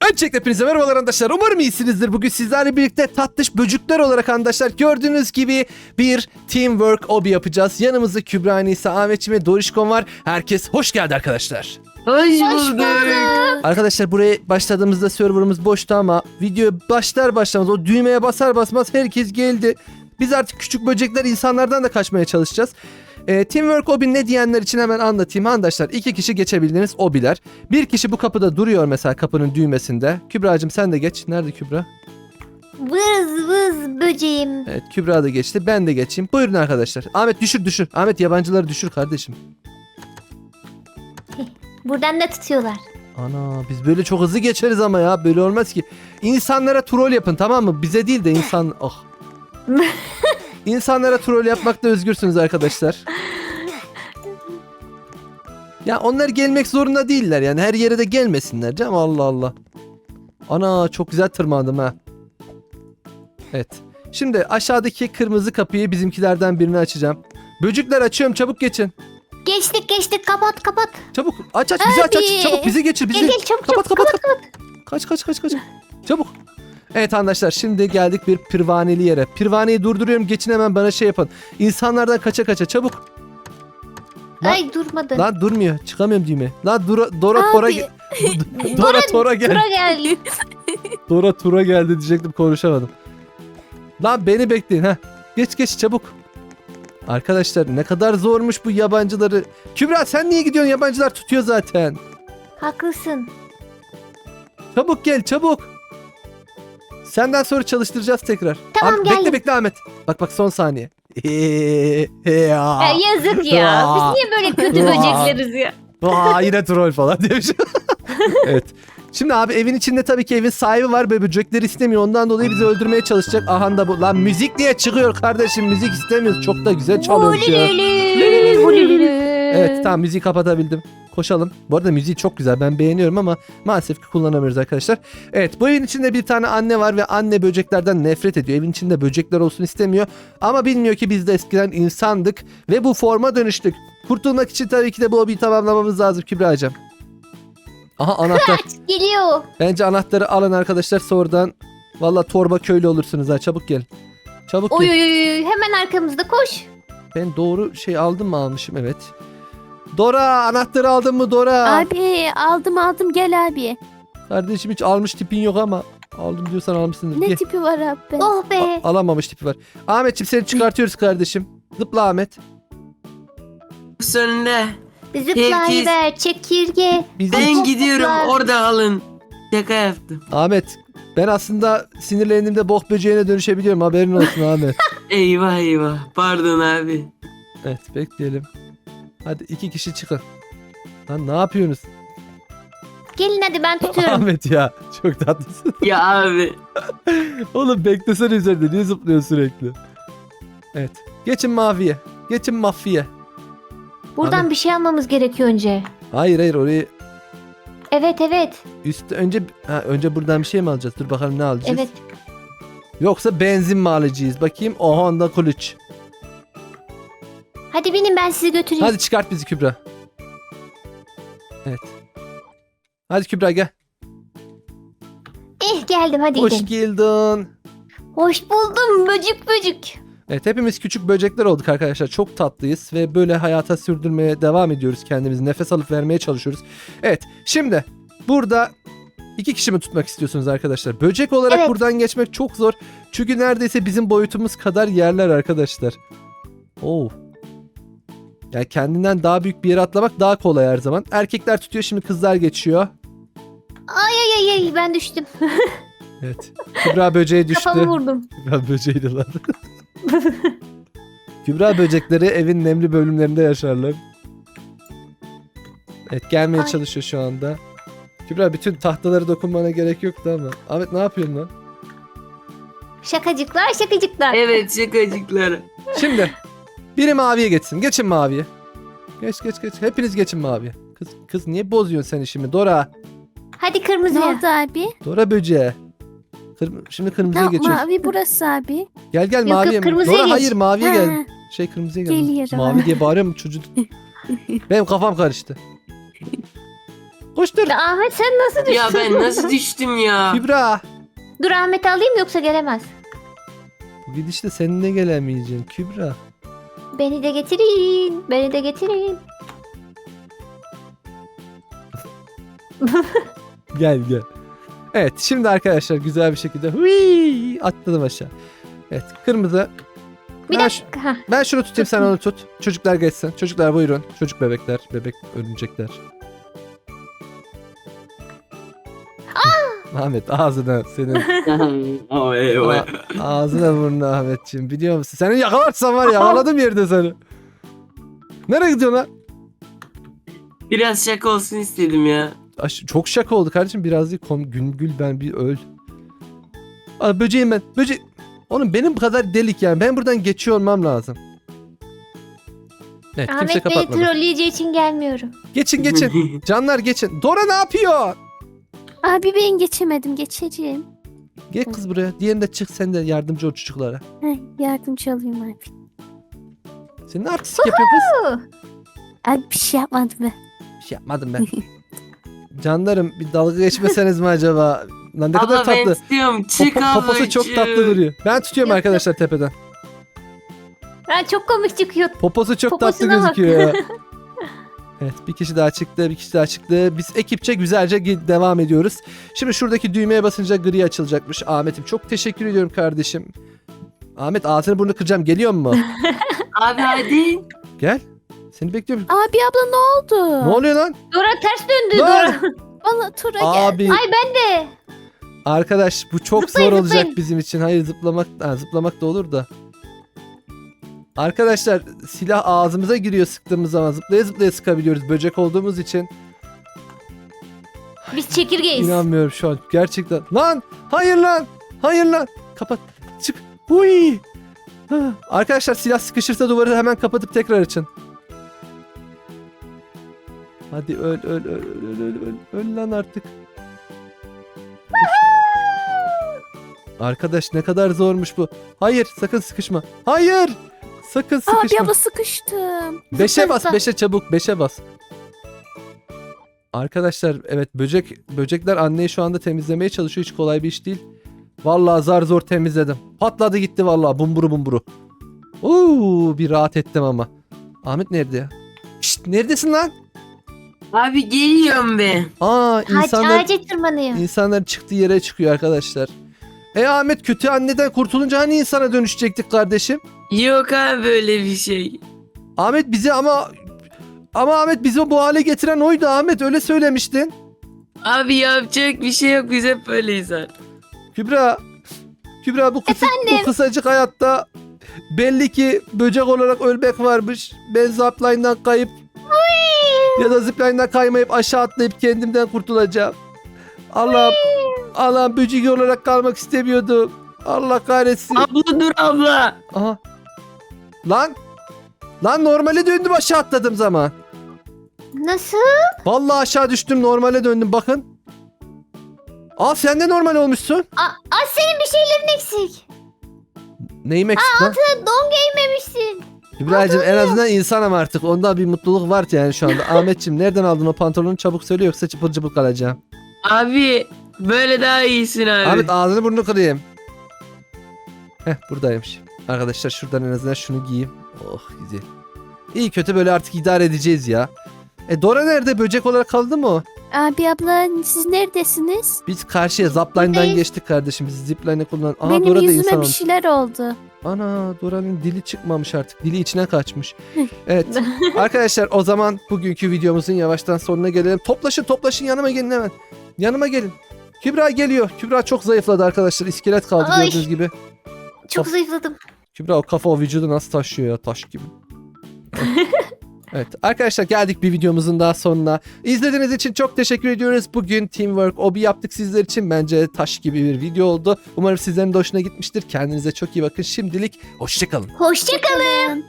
Öncelikle hepinize merhabalar arkadaşlar. Umarım iyisinizdir. Bugün sizlerle birlikte tatlış böcükler olarak arkadaşlar gördüğünüz gibi bir teamwork obi yapacağız. Yanımızda Kübra, Nisa, Ahmetçim ve Dorişkon var. Herkes hoş geldi arkadaşlar. Hoş bulduk. Arkadaşlar buraya başladığımızda serverımız boştu ama video başlar başlamaz o düğmeye basar basmaz herkes geldi. Biz artık küçük böcekler insanlardan da kaçmaya çalışacağız. Teamwork obi ne diyenler için hemen anlatayım arkadaşlar. 2 kişi geçebildiğiniz obiler. Bir kişi bu kapıda duruyor mesela kapının düğmesinde. Kübra'cığım sen de geç. Nerede Kübra? Vız vız böceğim. Evet Kübra da geçti. Ben de geçeyim. Buyurun arkadaşlar. Ahmet düşür. Ahmet yabancıları düşür kardeşim. Buradan da tutuyorlar. Ana biz böyle çok hızlı geçeriz ama ya. Böyle olmaz ki. İnsanlara troll yapın tamam mı? Bize değil de insan... Oh. İnsanlara troll yapmakta özgürsünüz arkadaşlar. Ya onlar gelmek zorunda değiller yani. Her yere de gelmesinler canım. Allah Allah. Ana çok güzel tırmandım ha. Evet. Şimdi aşağıdaki kırmızı kapıyı bizimkilerden birini açacağım. Böcükler açıyorum çabuk geçin. Geçtik kapat. Çabuk aç bizi aç Abi. çabuk bizi geçir bizi. Gel çabuk Kapat. Kaç. Çabuk. Evet arkadaşlar şimdi geldik bir pirvaneli yere. Pirvaneyi durduruyorum geçin hemen bana şey yapın. İnsanlardan kaça çabuk. Lan- Ay durmadı. Lan durmuyor çıkamıyorum düğme. Lan Dora Tora Abi. Tora gel. Tura geldi. Tura geldi diyecektim konuşamadım. Lan beni bekleyin ha. Geç çabuk. Arkadaşlar ne kadar zormuş bu yabancıları. Kübra sen niye gidiyorsun yabancılar tutuyor zaten. Haklısın. Çabuk gel çabuk. Senden sonra çalıştıracağız tekrar. Tamam, Bekle geldim. bekle Ahmet. Bak son saniye. Ya yazık ya. Biz niye böyle kötü böcekleriz ya? Yine troll falan demiş. Evet. Şimdi abi evin içinde tabii ki evin sahibi var ve böcekleri istemiyor. Ondan dolayı bizi öldürmeye çalışacak. Aha da bu. Lan müzik niye çıkıyor kardeşim? Müzik istemiyoruz. Çok da güzel çalıyoruz ya. Evet tamam müziği kapatabildim. Koşalım. Bu arada müziği çok güzel. Ben beğeniyorum ama maalesef ki kullanamıyoruz arkadaşlar. Evet bu evin içinde bir tane anne var ve anne böceklerden nefret ediyor. Evin içinde böcekler olsun istemiyor. Ama bilmiyor ki biz de eskiden insandık ve bu forma dönüştük. Kurtulmak için tabii ki de bu hobiyi tamamlamamız lazım Kübra'cığım. Aha anahtar. Geliyor. Bence anahtarı alın arkadaşlar sonradan. Valla torba köylü olursunuz ha. Çabuk gelin. Çabuk Oy gelin. hemen arkamızda koş. Ben doğru şey aldım mı almışım evet. Dora anahtarı aldın mı Dora? Abi aldım gel abi. Kardeşim hiç almış tipin yok ama. Aldım diyorsan almışsındır. Ne Gel. tipi var abi? Oh be. Alamamış tipi var. Ahmetciğim seni çıkartıyoruz kardeşim. Zıpla Ahmet. Sonunda Zıplayıver çekirge. Biz ben Hoplar. gidiyorum orada alın. Şaka yaptım. Ahmet ben aslında sinirlendiğimde bok böceğine dönüşebiliyorum haberin olsun Ahmet. Eyvah pardon abi. Evet bekleyelim. Hadi 2 kişi çıkın. Lan ne yapıyorsunuz? Gelin hadi ben tutuyorum. Ahmet ya çok tatlısın. Ya abi. Oğlum beklesene üzerinde niye zıplıyorsun sürekli? Evet. Geçin maviye. Geçin mafya. Buradan Abi. bir şey almamız gerekiyor önce. Hayır orayı Evet. önce buradan bir şey mi alacağız? Dur bakalım ne alacağız? Evet. Yoksa benzin mi alacağız? Bakayım. O Honda kılıç. Hadi binin ben sizi götüreyim. Hadi çıkart bizi Kübra. Evet. Hadi Kübra gel. Geldim hadi Hoş gidelim. geldin. Hoş buldum böcük. Evet hepimiz küçük böcekler olduk arkadaşlar. Çok tatlıyız ve böyle hayata sürdürmeye devam ediyoruz kendimizi. Nefes alıp vermeye çalışıyoruz. Evet şimdi burada 2 kişi mi tutmak istiyorsunuz arkadaşlar? Böcek olarak Evet. buradan geçmek çok zor. Çünkü neredeyse bizim boyutumuz kadar yerler arkadaşlar. Oo. Yani kendinden daha büyük bir yere atlamak daha kolay her zaman. Erkekler tutuyor şimdi kızlar geçiyor. Ay ben düştüm. Evet. Kübra böceğe düştü. Kafamı vurdum. Kübra böceğiydi lan. Kübra böcekleri evin nemli bölümlerinde yaşarlar. Evet gelmeye Ay. çalışıyor şu anda. Kübra bütün tahtaları dokunmana gerek yoktu ama. Ahmet ne yapıyorsun lan? Şakacıklar. Evet şakacıklar. Şimdi biri maviye geçsin. Geçin maviye. Geç. Hepiniz geçin maviye. Kız niye bozuyorsun sen işimi? Dora. Hadi Ne kırmızıya. oldu abi? Dora böceği. Şimdi kırmızıya Ne, geçiyoruz. mavi burası abi. Gel Yok, maviye. kırmızıya Dora geç. hayır maviye Ha, gel. Kırmızıya gel. Geliyorum. Mavi diye bağırıyor mu çocuk? Benim kafam karıştı. Koştur. Ya Ahmet sen nasıl düştün? Ya ben nasıl düştüm ya? Kübra. Dur Ahmet'i alayım yoksa gelemez. Bu gidişte seninle gelemeyeceksin Kübra. Beni de getirin. Beni de getirin. Gel gel. Evet şimdi arkadaşlar güzel bir şekilde hui, atladım aşağı. Evet kırmızı. Bir Ben dakika. Hah. Ben şunu tutayım sen onu tut. Çocuklar geçsin. Çocuklar buyurun. Çocuk bebekler. Bebek örümcekler. Ahmet ağzına senin. Oh, eyvah. Ağzına burnuna Ahmetciğim. Biliyor musun? Seni yakalarsam var ya yakaladım yerde seni. Nereye gidiyorsun lan? Biraz şaka olsun istedim ya. Çok şaka oldu kardeşim. Biraz değil. Gül ben bir öl. Aa, böceğim ben. Böcek. Oğlum benim bu kadar delik yani. Ben buradan geçiyor olmam lazım. Evet kimse Ahmet Bey'i kapatmadı. trolleyeceği için gelmiyorum. Geçin geçin. Canlar geçin. Dora ne yapıyor? Abi ben geçemedim. Geçeceğim. Gel kız buraya. Diğerinde çık sen de yardımcı ol çocuklara. Heh, yardımcı olayım abi. Sen ne artistik yapıyorsun kız? Abi bir şey yapmadım ben. Bir şey yapmadım ben. Canlarım bir dalga geçmeseniz mi acaba? Lan ne kadar Abla ben tatlı. istiyorum. Çık Poposu çok tatlı duruyor. Ben tutuyorum Yok, arkadaşlar tepeden. Ha, çok komik çıkıyor. Poposu çok tatlı Poposuna bak. gözüküyor ya. Evet bir kişi daha çıktı, bir kişi daha çıktı. Biz ekipçe güzelce devam ediyoruz. Şimdi şuradaki düğmeye basınca gri açılacakmış. Ahmet'im çok teşekkür ediyorum kardeşim. Ahmet ağzını burnunu kıracağım. Geliyor mu? Abi hadi. Gel. Seni bekliyorum. Abi abla ne oldu? Ne oluyor lan? Dora ters döndü. Lan! Dora. Bana tura gel. Abi Ay ben de. arkadaş bu çok Zıplayın, zor olacak zıplayın. bizim için. Hayır zıplamak da olur da. Arkadaşlar silah ağzımıza giriyor sıktığımız zaman. Zıplaya zıplaya sıkabiliyoruz böcek olduğumuz için. Biz çekirgeyiz. İnanmıyorum şu an gerçekten. Lan hayır lan. Hayır lan. Kapat. Çık. Huy. Hah. Arkadaşlar silah sıkışırsa duvarı hemen kapatıp tekrar açın. Hadi öl öl lan artık. Arkadaş ne kadar zormuş bu. Hayır sakın sıkışma. Hayır. Sakın Abi sıkışma. abla sıkıştım. 5'e bas Zıpla. 5'e çabuk 5'e bas. Arkadaşlar evet böcekler anneyi şu anda temizlemeye çalışıyor. Hiç kolay bir iş değil. Vallahi zar zor temizledim. Patladı gitti vallahi bumburu bumburu. Oo bir rahat ettim ama. Ahmet nerede ya? Şşt neredesin lan? Abi geliyorum be. Aa insanlar Ağaca tırmanıyor. insanlar çıktığı yere çıkıyor arkadaşlar. Ahmet kötü anneden kurtulunca hani insana dönüşecektik kardeşim? Yok abi böyle bir şey. Ahmet bizi ama Ahmet bizi bu hale getiren oydu Ahmet öyle söylemiştin. Abi yapacak bir şey yok. Biz hep böyleyiz artık. Kübra bu kısacık hayatta belli ki böcek olarak ölmek varmış. Ben zipline'dan kayıp ya da zipline'dan kaymayıp aşağı atlayıp kendimden kurtulacağım. Allah'ım böcek olarak kalmak istemiyordum. Allah kahretsin. Abla dur abla. Aha. Lan normale döndüm aşağı atladım zaman. Nasıl? Vallahi aşağı düştüm normale döndüm bakın. Aa sen de normal olmuşsun. Aa senin bir şeylerin eksik. Neyim eksik lan? Don giymemişsin. İbrahim'cim en azından insanım artık. Onda bir mutluluk var yani şu anda. Ahmetciğim nereden aldın o pantolonu çabuk söyle yoksa çıpır çıpır kalacağım. Abi böyle daha iyisin abi. Ahmet ağzını burnunu kırayım. Heh buradaymış. Arkadaşlar şuradan en azından şunu giyeyim. Oh güzel. İyi kötü böyle artık idare edeceğiz ya. Dora nerede? Böcek olarak kaldı mı o? Abi abla siz neredesiniz? Biz karşıya zipline'dan Buradayız. geçtik kardeşim. Biz zipline'ı kullan. Aha Benim Dora da insan yüzüme bir olmuş. şeyler oldu. Ana Dora'nın dili çıkmamış artık. Dili içine kaçmış. Evet. Arkadaşlar o zaman bugünkü videomuzun yavaştan sonuna gelelim. Toplaşın yanıma gelin hemen. Yanıma gelin. Kübra geliyor. Kübra çok zayıfladı arkadaşlar. İskelet kaldı Ay. gördüğünüz gibi. Çok Of. zayıfladım. Kübra o kafa o vücudu nasıl taşıyor ya taş gibi. Evet arkadaşlar geldik bir videomuzun daha sonuna. İzlediğiniz için çok teşekkür ediyoruz. Bugün Teamwork Obi yaptık sizler için. Bence taş gibi bir video oldu. Umarım sizlerin de hoşuna gitmiştir. Kendinize çok iyi bakın. Şimdilik hoşçakalın. Hoşçakalın.